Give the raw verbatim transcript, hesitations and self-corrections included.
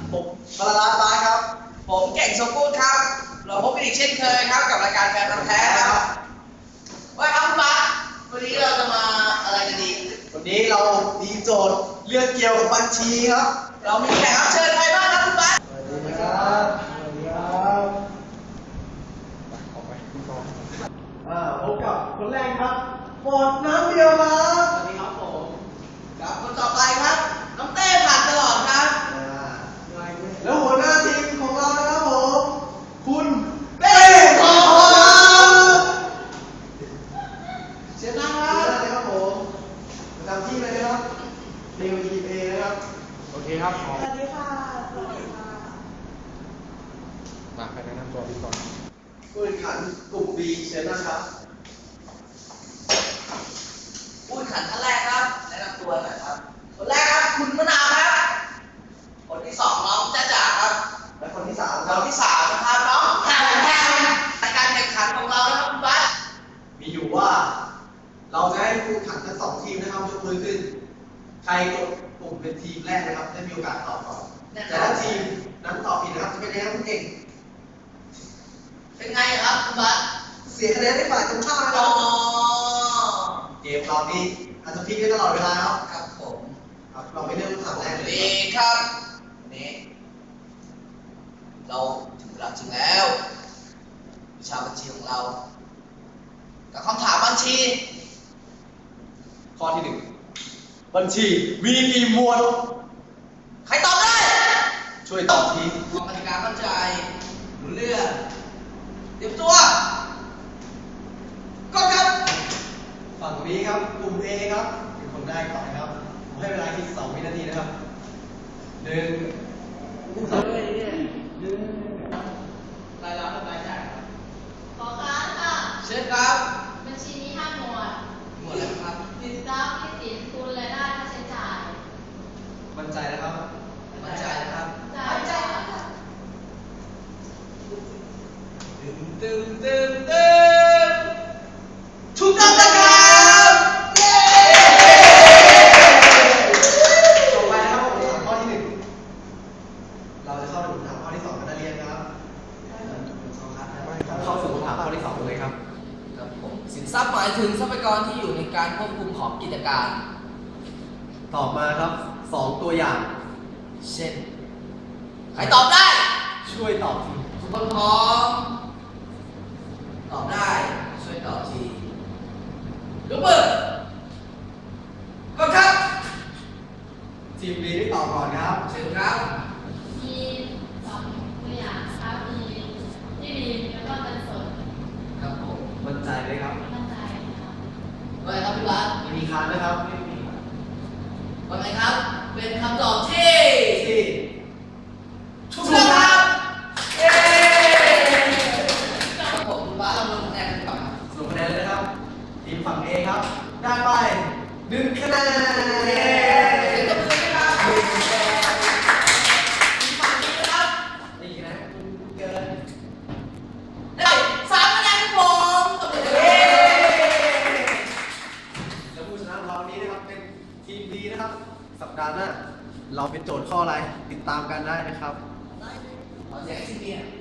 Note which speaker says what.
Speaker 1: ผมบาลานซ์บาสครับ
Speaker 2: ผมเก่งสมบูรณ์ครับเราพบกันอีกเช่นเคยครับกับรายการแฟนพันธุ์แท้ครับว่าครับคุณบัสวันนี้เราจะมาอะไรกันดี
Speaker 1: วันนี้เรามีโจทย์เรื่องเกี่ยวกับบัญชีครับ
Speaker 2: เรามีแขกรับเชิญใครบ้างครับคุณบัส
Speaker 1: สวัสดีครับสวัสดีครับอ่าพบกับคนแรกครับฟอร์ดน้ำเดียวครับ
Speaker 2: สวัสดีครับผมครับคนต่อไปครับน้องเต้ผ่านตลอดครับ
Speaker 1: แล้วหัวหน้าทีมของเรานะครับผมคุณเต้ขอ
Speaker 2: เชิญนั่งครับ
Speaker 1: เชิญนะครับผมประจำที่เลยนะครับเรียวทีเอนะครับโอเคครับสวัสดีค่ะสวัสดีค่ะ
Speaker 3: มาใครแนะนำตัวพี่ก่อน
Speaker 1: ผู้แข่งขันกลุ่ม B เชิญนะครับ
Speaker 2: ผู้แข่งขันท่านแรกครับแนะนำตัวหน่อยครับคนแรกครับคุณมะนาวครับคนที่สองน้องจ้าจ๋าครับ
Speaker 1: และคนที่สามค
Speaker 2: ครับ นที่สามนะครับน้องแพมแพมรายการแข่งขันของเรานะครับคุณบัส
Speaker 1: มีอยู่ว่า เราจะให้ผู้แข่งขันทั้งสองทีมนะครับยกมือขึ้น ใครกดปุ่มเป็นทีมแรกนะครับได้มีโอกาสตอบก่อนแต่ถ้าทีมนั้นตอบผิดนะครับจะเป็นยังไงครับคุณเก่ง
Speaker 2: เป็นไงครับคุณบัส
Speaker 1: เสียคะแนนให้ฝ่ายตรงข้ามนะค
Speaker 2: อ๋
Speaker 1: รั
Speaker 2: อบ
Speaker 1: เกมรอบนี้อาจจะพลิกได้ตลอดเวลาครับ
Speaker 2: ครับผม
Speaker 1: ครับเราไปเริ่มคำถามแรกเลย
Speaker 2: ดีครับวันนี้เราถึงเวลาจริงแล้ววิชาบัญชีของเรา กับคำถามบัญชี
Speaker 1: ข้อที่หนึ่งบัญชีมีกี่หมวด
Speaker 2: ใครตอบได้
Speaker 1: ช่วยตอบที
Speaker 2: กรรมการเข้าใจรู้เรื่องเตรียมตัวก็ครับ
Speaker 1: ฝั่งนี้ครับกลุ่ม A ครับเป็นคนแรกก่อนนะครับผมให้เวลาคิดสองวินาทีนะครับหนึ่งสอง
Speaker 2: รายรับและรายจ่ายครับ
Speaker 4: ขอค้านค่ะ
Speaker 2: เชิญครับ
Speaker 4: บัญชีมีห้าหมวด
Speaker 2: หมดแล้วครับ
Speaker 4: สินทรัพย์หนี้สินทุนรายได้ค่าใช้จ่าย
Speaker 1: มั่นใจนะครับ
Speaker 2: มั่นใจนะครับ
Speaker 4: จ่ายจ่ายค่ะ
Speaker 2: ตึมตึมตึมตึมถูกต้องนะครับเย้
Speaker 1: ต่อไปนะครับผมถามข้อที่หนึ่งเราจะเข้าถึงคำถามข้อที่สองกันนักเรียนนะครับเข้าสู่คำถามข้อที่สองเลยครับ
Speaker 2: ครับผมสินทรัพย์หมายถึงทรัพยากรที่อยู่ในการควบคุมของกิจการ
Speaker 1: ตอบมาครับสองตัวอย่าง
Speaker 2: เช่น ใครตอบได้
Speaker 1: ช่วยตอบที
Speaker 2: ทุกคนพร้อม ตอบได้ ช่วยตอบทียกมือก็ครับ
Speaker 1: ทีมบีได้ตอบก่อนครับ
Speaker 2: เชิญครับ
Speaker 4: มีสองตัวอย่างครับมีที่ดินแล้วก็เงินสด
Speaker 2: ครับผม
Speaker 1: มั่นใจไหมครับ
Speaker 4: มั่นใจครับ
Speaker 2: ว่าไงครับพี่บัส
Speaker 1: ไม่มีค้านนะครับไม่มี
Speaker 2: ว่าไงครับ เป็นคำตอบที่
Speaker 1: ที่
Speaker 2: ถูกต้องครับเย้ครับผมบัสเราลงคะแนนกันก่อนครับ
Speaker 1: สรุปคะแนนเลยนะครับ ทีมฝั่ง A ครับ ได้ไปหนึ่งคะแนน
Speaker 2: เย้เสียงตบมือด้วยครับหนึ่งคะแนนทีมฝั่งนี้นะครับ
Speaker 1: นี่คะแนนเกิน
Speaker 2: ได้สามคะแนนครับผมตบมือเย้
Speaker 1: แล้วผู้ชนะของเราวันนี้นะครับเป็นทีม B นะครับ สัปดาห์หน้าเราเป็นโจทย์ข้ออะไรติดตามกันได้นะครับ
Speaker 2: ขอเสียงให้ทีมเบียร์